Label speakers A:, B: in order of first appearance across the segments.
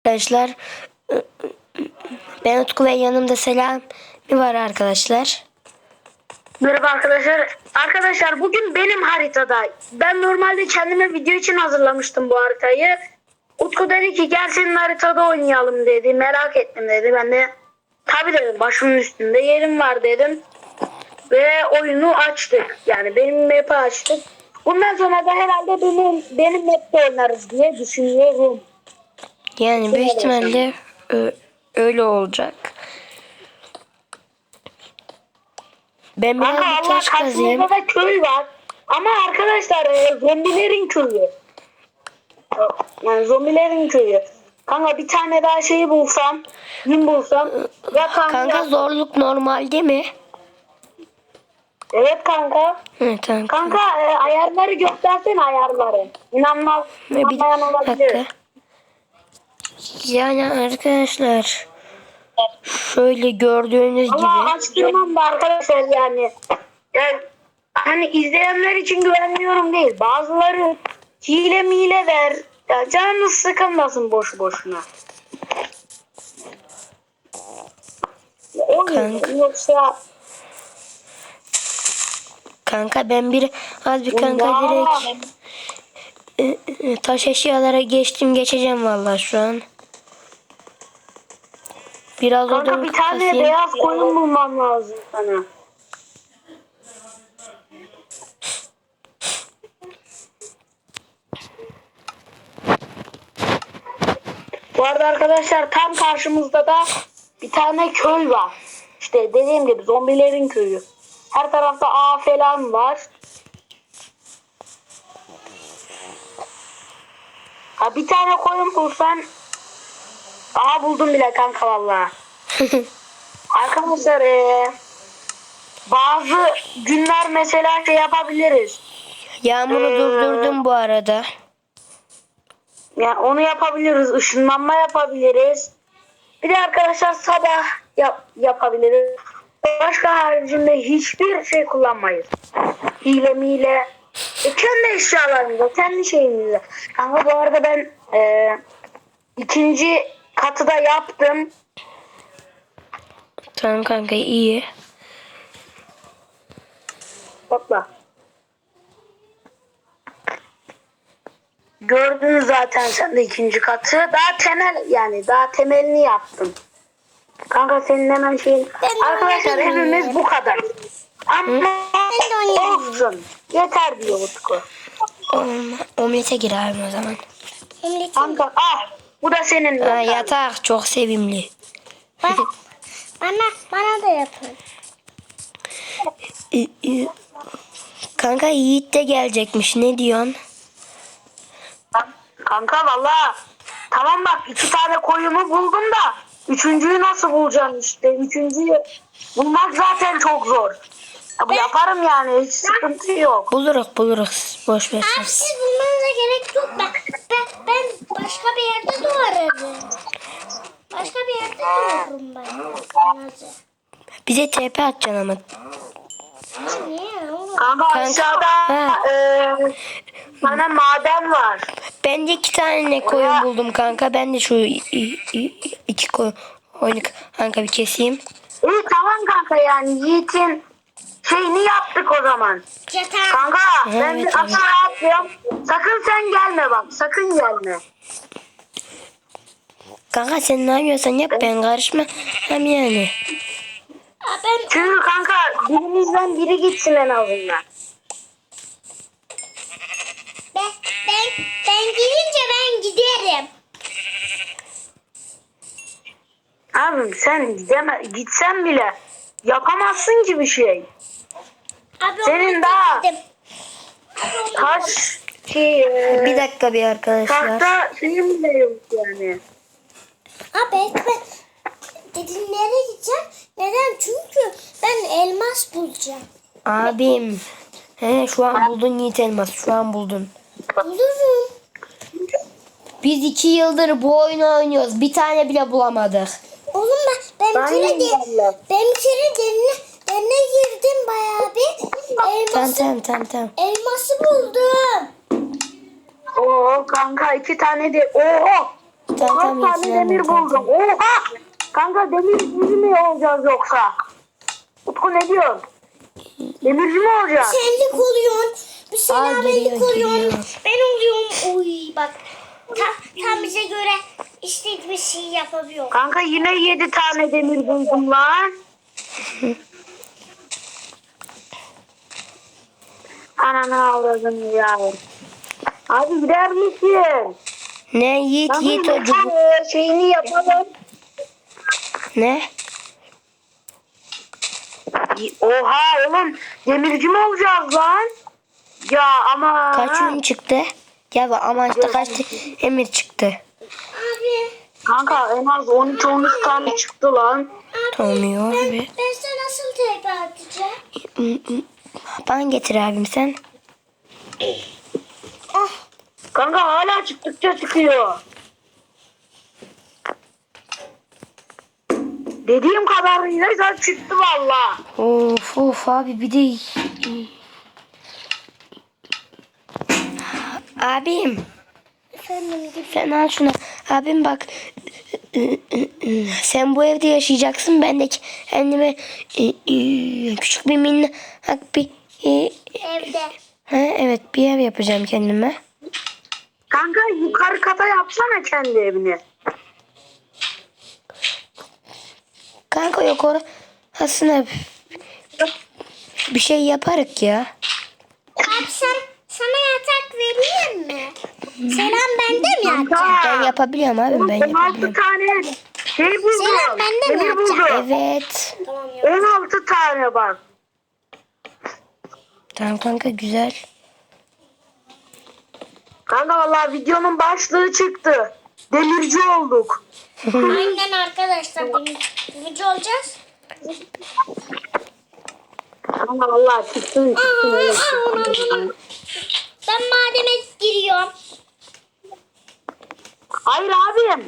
A: Arkadaşlar ben Utku ve yanımda Selami var arkadaşlar.
B: Merhaba arkadaşlar. Arkadaşlar bugün benim haritada. Ben normalde kendime video için hazırlamıştım bu haritayı. Utku dedi ki gel senin haritada oynayalım dedi. Merak ettim dedi. Ben de tabii dedim, başımın üstünde yerim var dedim. Ve oyunu açtık. Yani benim map'i açtık. Bundan sonra da herhalde benim map'te oynarız diye düşünüyorum.
A: Yani büyük ihtimalle öyle olacak. Ben biraz
B: Kanka
A: bir
B: Allah
A: taş kazayım.
B: karşımızda da köy var. Ama arkadaşlar zombilerin köyü. Yani zombilerin köyü. Kanka bir tane daha şeyi bulsam, gün bulsam. Ya
A: Kanka zorluk normal değil mi?
B: Evet kanka.
A: Evet tamam.
B: Kanka ayarları göstersene ayarları. İnanmaz. İnanmayan olabilir.
A: Dakika. Yani arkadaşlar şöyle gördüğünüz
B: Allah
A: gibi
B: açtırmam da arkadaşlar yani. Yani hani izleyenler için güvenmiyorum değil. Bazıları hile mile der. Ya canınız sıkılmasın boş boşuna.
A: Kanka.
B: Yoksa
A: kanka ben az bir kanka direkt taş eşyalara geçeceğim vallahi şu an. Biraz
B: kanka
A: odun
B: bir tane
A: kasayım.
B: beyaz koyun bulmam lazım sana. Bu arada arkadaşlar tam karşımızda da bir tane köy var. İşte dediğim gibi zombilerin köyü. Her tarafta ağ falan var. Ha bir tane koyun bulsan. Aha buldum bile kanka vallahi. Arkadaşlar bazı günler mesela şey yapabiliriz.
A: Yağmuru durdurdum bu arada.
B: Yani onu yapabiliriz. Işınlanma yapabiliriz. Bir de arkadaşlar sabah yapabiliriz. Başka haricinde hiçbir şey kullanmayız. Hile mile. Kendi eşyalarımızla, kendi şeyimizle. Ama bu arada ben ikinci katı da yaptım.
A: Tamam kanka iyi.
B: Topla. Gördün zaten sen de ikinci katı. Daha temelini yaptım. Kanka senin hemen şeyin. Arkadaşlar hepimiz bu kadar. Ama olsun. Yeter diyor Utku.
A: Omlete gir abi o zaman.
B: Kanka bu da senin.
A: Yatak çok sevimli.
C: Bana da yapın.
A: Kanka Yiğit de gelecekmiş. Ne diyorsun?
B: Kanka valla. Tamam bak 2 tane koyumu buldum da. Üçüncüyü nasıl bulacağım işte. Üçüncüyü bulmak zaten çok zor. Ya, yaparım yani hiç sıkıntı yok.
A: Buluruz. Boş ver.
C: Abi siz bulmanıza gerek yok. Ben başka bir yerde doğarım. Başka bir yerde doğarım ben.
A: Bize TP atacaksın ama.
C: Niye oğlum?
B: Kanka aşağıda bana maden var.
A: Ben de 2 tane koyun buldum kanka. Ben de şu 2 koyunu kanka bir keseyim.
B: İyi tamam kanka yani Yiğit'in şeyini yaptık o zaman.
C: Yatağı.
B: Kanka ben
A: Evet,
B: bir aşağı atlıyorum. Sakın sen gelme bak. Sakın gelme.
A: Kanka sen ne yapıyorsan yap, ben karışma. Hem yani.
B: Çünkü kanka birimizden biri gitsin en azından.
C: Ben gidince ben giderim.
B: Abim sen gitsen bile yapamazsın ki bir şey.
C: Abi
B: Senin
C: ona
B: daha
C: gittim.
B: taş
A: Bir dakika bir arkadaşlar.
B: tahta şeyim de yok yani.
C: Abi ben dedim nereye gideceğim? Neden? Çünkü ben elmas bulacağım.
A: Abim. Şu an buldun Yiğit elmas. Şu an buldun.
C: Bulurum.
A: Biz 2 yıldır bu oyunu oynuyoruz. Bir tane bile bulamadık.
C: Oğlum ben bir kere derine girdim bayağı bir.
A: Tamam.
C: Elması buldum.
B: Oo kanka 2 tane de. Oo.
A: Tamam,
B: Kaç
A: tamam,
B: tane
A: yetişiyorum
B: demir
A: ben,
B: buldum. Oha! Kanka demirci mi olacağız yoksa? Utku ne diyorsun? Demirci mi olacağız?
C: Senlik oluyorsun. Bir
A: geliyor,
C: selamlik oluyorsun.
A: geliyor.
C: Ben oluyorum. Oy bak. Tam bize göre istediğimiz şeyi yapabiliyor.
B: Kanka yine 7 tane demir buldum lan. Ananı avradını ya. Abi gider misin?
A: Ne Yiğit
B: Kanka
A: Yiğit o
B: yeter, şeyini yapalım.
A: Ne?
B: Oha oğlum demirci mi olacağız lan? Ya ama.
A: Kaç ürün çıktı? Ya ama işte kaç emir çıktı.
C: Abi.
B: Kanka en az 12-13 tane çıktı lan.
A: Olmuyor abi.
C: Ben sana nasıl TP atacağım?
A: Bana getir abim sen.
C: Ah.
B: Kanka hala çıktıkça çıkıyor. Dediğim kadarıyla çıktı valla.
A: Of of abi bir de abim
C: Efendim gibi.
A: sen al şunu. Abim bak sen bu evde yaşayacaksın. Ben de kendime küçük bir minnak bir
C: Evde.
A: evet bir ev yapacağım kendime.
B: Kanka yukarı kata yapsana kendi evini.
A: Kanka yok aslında bir şey yaparık ya.
C: Abi sana yatak vereyim mi? Selam bende mi yatacak?
B: Kanka.
A: Ben yapabiliyorum abi ben
B: 16
A: yapabiliyorum.
B: tane şey buldum.
C: Selam, bende mi
B: Demir buldum.
A: Evet.
C: Tamam ya.
B: 16 tane bak.
A: Tamam kanka güzel.
B: Kanka vallahi videonun başlığı çıktı. Demirci olduk.
C: Aynen arkadaşlar. Demirci olacağız.
B: Kanka vallahi çıktı.
C: Ben mademe giriyorum.
B: Hayır abim.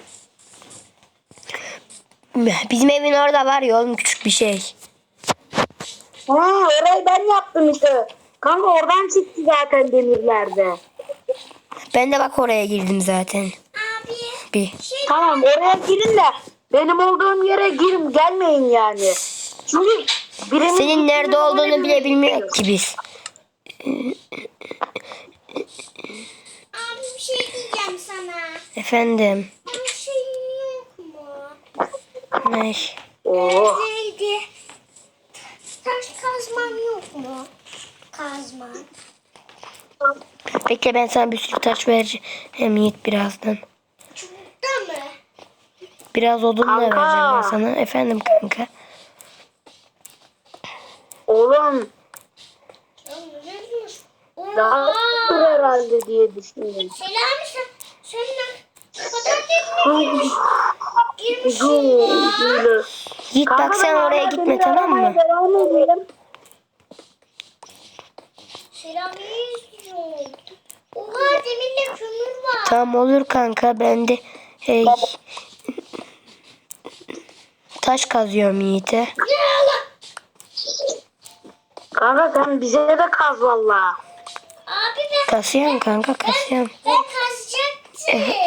A: Bizim evin orada var ya oğlum küçük bir şey.
B: Ha, orayı ben yaptım işte. Kanka oradan çıktı zaten demirlerde.
A: Ben de bak oraya girdim zaten.
C: Abi.
A: Bir.
B: Tamam oraya girin de benim olduğum yere girin gelmeyin yani. Çünkü birinin
A: Senin nerede olduğunu bile bilmiyor ki biz.
C: Abi bir şey diyeceğim sana.
A: Efendim.
C: Bir şey yok mu?
A: Ne?
B: Oh.
C: Neydi? Taş kazmam yok mu? Kazma.
A: Bekle ben sana bir sürü taş vereceğim Yiğit birazdan.
C: Çubukta mı?
A: Biraz odun da
B: Kanka.
A: vereceğim ben sana. Efendim kanka.
B: Oğlum
C: Oha.
B: daha dur herhalde diye düşünüyorum.
C: Selami sen patates girmişsin ya.
A: Yiğit bak sen oraya gitme tamam mı?
B: Devam edelim.
C: Selami'yi izliyorum. Oha demirle kömür var.
A: Tamam olur kanka ben de taş kazıyorum Yiğit'e.
C: Ne Allah?
B: Kanka sen bize de kaz valla.
C: Abi
A: Kasıyorum kanka kasıyorum.
C: ben kazacaktım.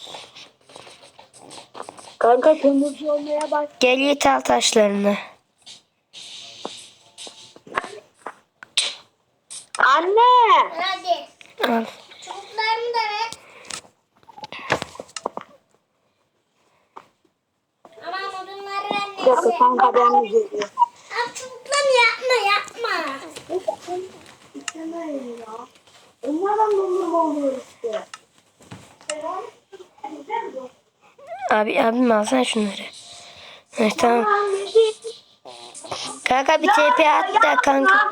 B: Kanka kömürcü olmaya bak.
A: Gel Yiğit al taşlarını.
B: Anne.
C: Hadi.
A: Al.
C: Çubuklarımı da ver. Ama odunları ver
B: Yok
C: neyse.
B: kanka ben de geliyorum.
C: Abi çubuklarını yapma.
B: Onlardan dondurma oluyor işte.
A: Abim alsana şunları. Evet, tamam. Kanka bir TP at da kanka.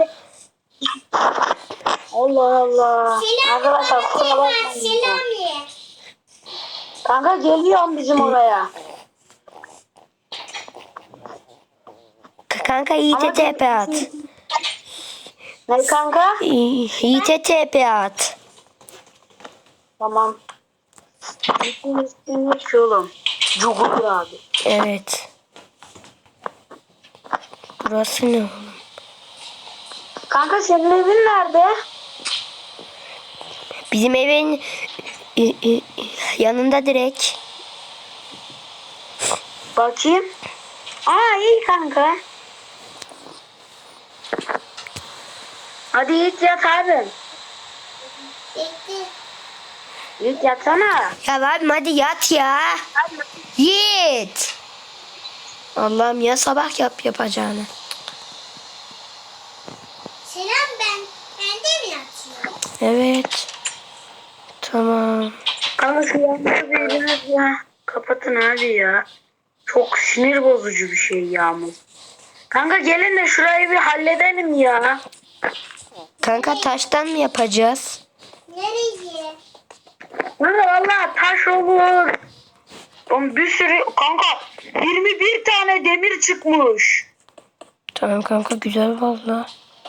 B: Allah Allah.
C: Selami
B: Arkadaşlar
C: bana
B: kusura
C: var.
B: bakmayın.
C: Selami.
B: Kanka geliyorum bizim oraya.
A: Kanka Yiğit'e TP at.
B: Ne kanka?
A: Yiğit'e TP at.
B: Tamam. Üstüne şu oğlum. Cugur abi.
A: Evet. Burası ne oğlum?
B: Kanka senin evin nerede?
A: Bizim evin yanında direkt.
B: Bakayım. Aa iyi kanka. Hadi Yiğit yat abi.
C: Bekle.
B: Yiğit yatsana.
A: Ya abim hadi yat ya. Yiğit. Allah'ım ya sabah yapacağını.
C: Selam ben. Ben de mi yatıyorum?
A: Evet. Tamam.
B: Kanka şu yağmuru biraz ya. Kapatın abi ya. Çok sinir bozucu bir şey yağmur. Kanka gelin de şurayı bir halledelim ya.
A: Kanka taştan mı yapacağız?
C: Nereye?
B: Kanka valla taş olur. Oğlum bir sürü kanka 21 tane demir çıkmış.
A: Tamam kanka güzel valla.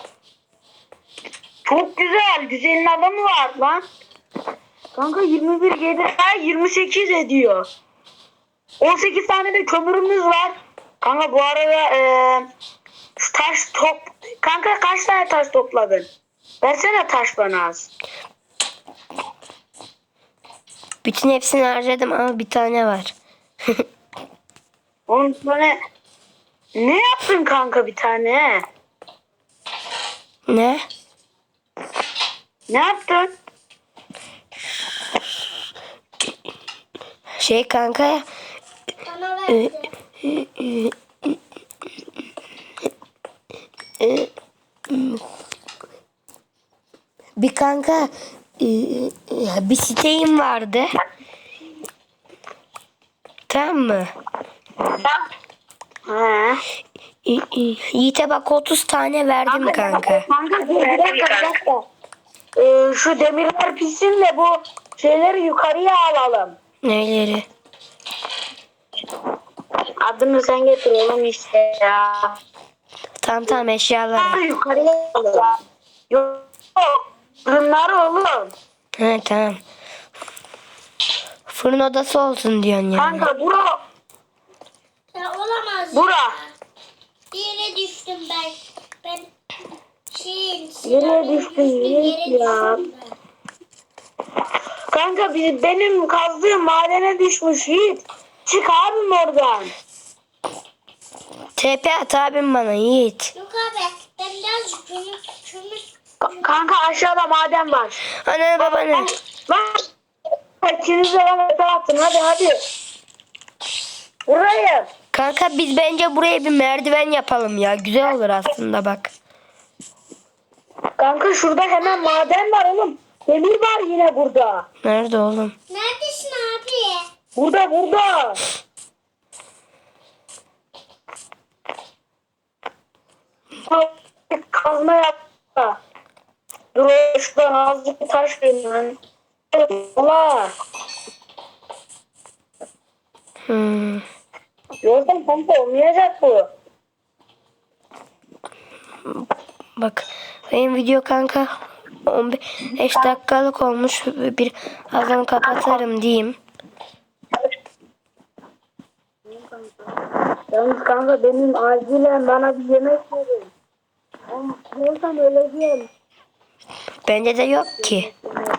B: Çok güzel. Güzelin adamı var lan. Kanka 21 gelir. 28 ediyor. 18 tane de kömürümüz var. Kanka bu arada şu taş Kanka kaç tane taş topladın? Versene taş bana az.
A: Bütün hepsini harcadım ama bir tane var.
B: Oğlum bana ne yaptın kanka bir tane?
A: Ne?
B: Ne yaptın?
A: Şey kanka
C: Bana verdi.
A: bir kanka bir siteyim vardı. Tamam mı?
B: He.
A: Yiğit'e bak 30 tane verdim kanka.
B: Kanka dur bir dakika. Şu demirler pişsin de bu şeyleri yukarıya alalım.
A: Neleri?
B: Adını sen getir oğlum işte ya.
A: Tamam eşyaları.
B: Yukarıya alalım. Yok. Bunlar oğlum.
A: He tamam. Fırın odası olsun diyorsun yani.
B: Kanka bura.
C: Ya olamaz.
B: Bura.
C: Ya. Bir yere düştüm ben. Ben
B: Nereye düştün Yiğit ya? Kanka benim kazdığım madene düşmüş Yiğit. Çık abim oradan.
A: TP at abim bana Yiğit.
C: Yok abi ben birazcık kömür.
B: Kanka aşağıda maden var.
A: Anne babanı.
B: Bak. İkiniz de bana attın hadi. Burayı.
A: Kanka biz bence buraya bir merdiven yapalım ya. Güzel olur aslında bak.
B: Kanka şurada hemen maden var oğlum. Demir var yine burada.
A: Nerede oğlum?
C: Neredesin abi?
B: Burada. Kazma yapma. Dur şuradan azıcık bir taş vereyim. Allah. Yoksa kanka olmayacak bu.
A: Bak benim video kanka 15 dakikalık olmuş. Bir azam kapatarım diyeyim.
B: Yalnız kanka benim acilen bana bir yemek verin. Yoksa öleceğim.
A: Bende de yok ki.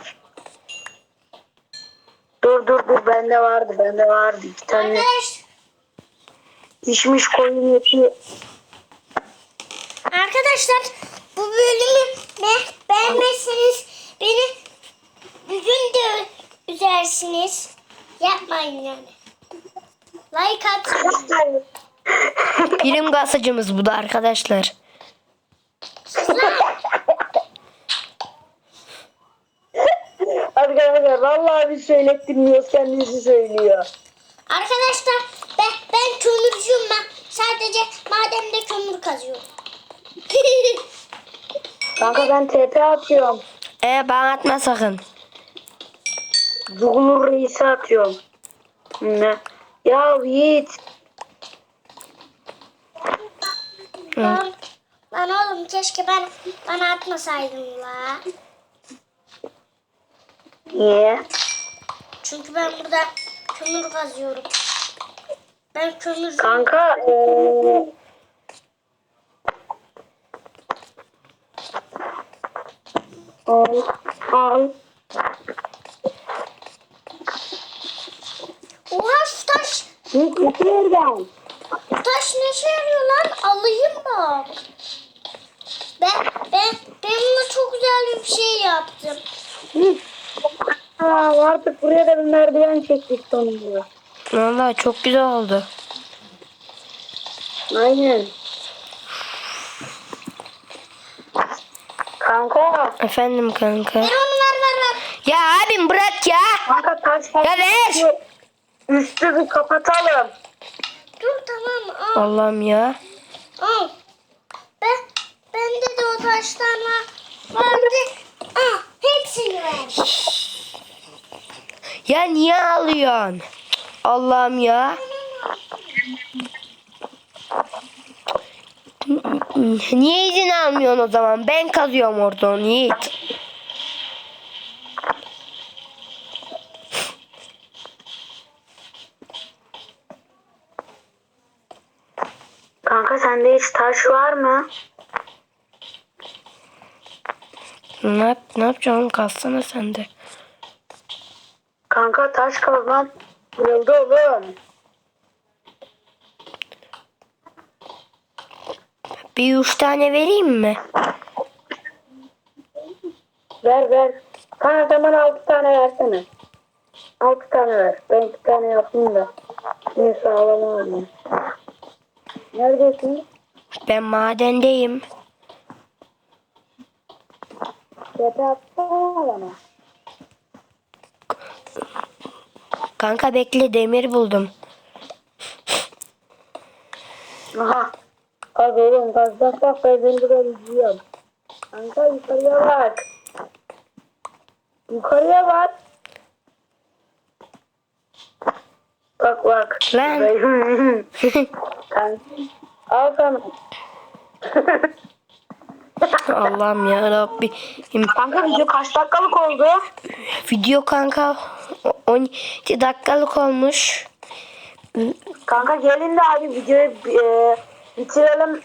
B: Dur bende vardı 2 tane
C: Arkadaş,
B: pişmiş koyun eti.
C: arkadaşlar bu bölümü beğenmezseniz beni bir gün de üzersiniz. Yapmayın yani. Like atın.
A: Birim gasıcımız bu da arkadaşlar.
B: Arkadaşlar vallahi biz söylettirmiyoruz kendisi söylüyor.
C: Arkadaşlar ben kömürcüyüm ben. Sadece mademde kömür kazıyorum.
B: Kanka ben TP atıyorum.
A: Bana atma sakın.
B: Zuhulur reisi atıyorum. Ne? Ya Yiğit.
C: Lan oğlum keşke bana atmasaydın la.
B: Niye?
C: Çünkü ben burada kömür kazıyorum. Ben kömürcüyüm.
B: Kanka al.
C: Oha şu taş
B: Git yerden.
C: Taş ne işe yarıyor lan? Alayım bak. Ben buna çok güzel bir şey yaptım.
B: Artık buraya da bir merdiven çektik sonunda.
A: Vallahi çok güzel oldu.
B: Aynen. Kanka.
A: Efendim kanka.
C: Ver onu ver.
A: Ya abim bırak ya.
B: Kanka taş
A: Ya ver.
B: Üstü bir kapatalım.
C: Dur tamam al.
A: Allah'ım ya.
C: Al. Bende de o taşlarla vardı. Al hepsini ver.
A: Ya niye alıyorsun? Allah'ım ya. Niye izin almıyorsun o zaman? Ben kazıyorum orada onu Yiğit.
B: Kanka sende hiç taş var mı?
A: Ne yapacaksın? Kalsana sen de.
B: Kanka taş kazmam kırıldı oğlum.
A: Bir 3 tane vereyim mi?
B: Ver. Kanka sen bana 6 tane versene. 6 tane ver. Ben 2 tane yapayım da. Şimdi sağlam olayım. Neredesin?
A: Ben madendeyim.
B: Tepe atsana bana.
A: Kanka bekle demir buldum.
B: Aha. Kaz oğlum kaz. Bak ben seni burada izliyorum. Kanka yukarıya bak. Yukarıya bak. Bak.
A: Lan.
B: Kanka. Al sana.
A: Allah'ım ya Rabbim.
B: Kanka video kaç dakikalık oldu?
A: Video kanka 12 dakikalık olmuş.
B: Kanka gelin de abi videoyu bitirelim.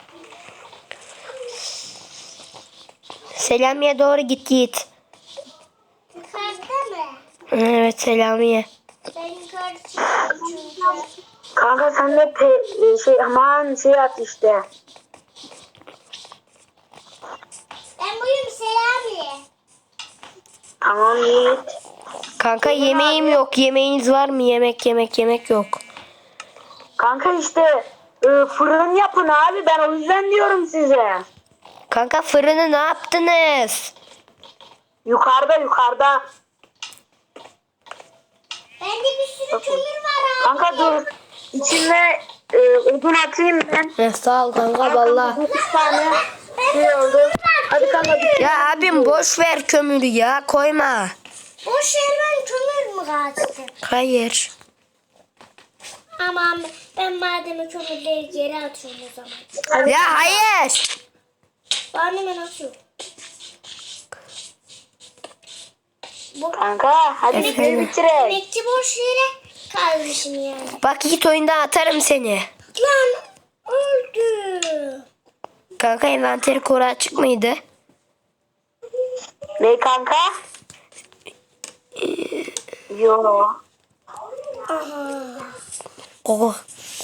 A: Selamiye doğru git Yiğit.
C: Yukarıda mı?
A: Evet Selamiye.
C: Ben yukarı çıkıyorum çünkü.
B: Kanka sen de aman şey at işte.
C: Ben buyum Selami.
B: Tamam Yiğit.
A: Kanka yemeğim yok. Yemeğiniz var mı? Yemek yok.
B: Kanka işte fırın yapın abi ben o yüzden diyorum size.
A: Kanka fırını ne yaptınız?
B: Yukarıda.
C: Bende bir sürü kömür var abi.
B: Kanka dur. İçine odun atayım ben.
A: Sağ ol kanka valla.
B: 9 tane şey oldu. Hadi kanka bitir.
A: Ya abim boş ver kömürü ya koyma.
C: Boş yerden kömür mü kaçtı?
A: Hayır.
C: Aman ben madem kömürleri geri atıyorum o zaman.
B: Hadi.
A: Ya hayır.
C: Ben hemen atıyorum. Bu
B: Kanka hadi
A: Efendim?
B: bitirelim.
C: emekçi boş yere kalmışım yani.
A: Bak Yiğit oyunda atarım seni.
C: Lan öldü.
A: Kanka envanteri koru açık mıydı?
B: Ne kanka? Yo.
C: Aha.
A: Oh.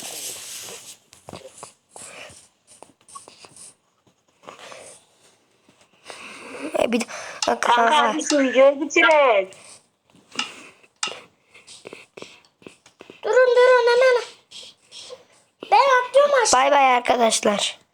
A: Bir
B: Kanka
A: kanka.
B: hadi şu videoyu bitirelim.
C: Durun hemen. Ben atlıyorum aşağı.
A: Bay bay arkadaşlar.